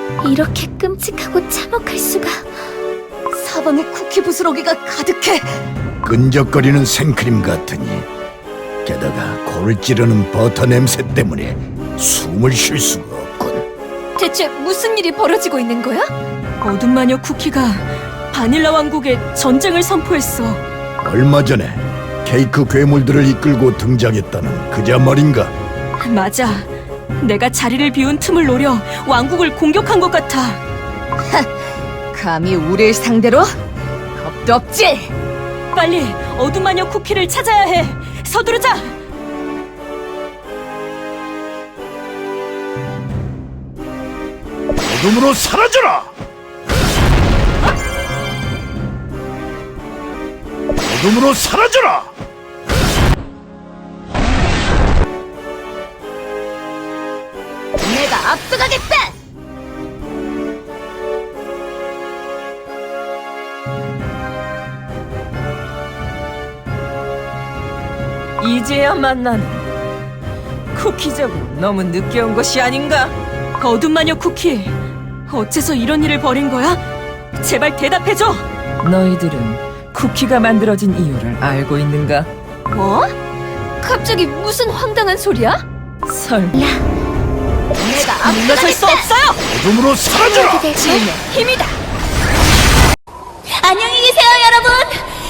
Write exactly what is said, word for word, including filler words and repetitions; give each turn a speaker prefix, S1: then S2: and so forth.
S1: 이렇게 끔찍하고 참혹할 수가.
S2: 사방에 쿠키 부스러기가 가득해.
S3: 끈적거리는 생크림 같으니 게다가 코를 찌르는 버터 냄새 때문에 숨을 쉴 수가 없군.
S1: 대체 무슨 일이 벌어지고 있는 거야?
S2: 어둠 마녀 쿠키가 바닐라 왕국에 전쟁을 선포했어.
S3: 얼마 전에 케이크 괴물들을 이끌고 등장했다는 그자 말인가?
S2: 맞아. 내가 자리를 비운 틈을 노려 왕국을 공격한 것 같아. 감히 우릴 상대로? 겁도 없지? 빨리 어둠 마녀 쿠키를 찾아야 해. 서두르자.
S3: 어둠으로 사라져라! 어둠으로 사라져라!
S2: 내가 앞서가겠다.
S4: 이제야 만나는 쿠키적으로 너무 늦게 온 것이 아닌가?
S2: 어둠 마녀 쿠키, 어째서 이런 일을 벌인 거야? 제발 대답해줘.
S4: 너희들은 쿠키가 만들어진 이유를 알고 있는가?
S1: 뭐? 갑자기 무슨 황당한 소리야?
S4: 설마
S2: 내가 물러설 수 없어요.
S3: 어둠으로 사라져라!
S1: 대체
S2: 힘이다.
S1: 안녕히 계세요.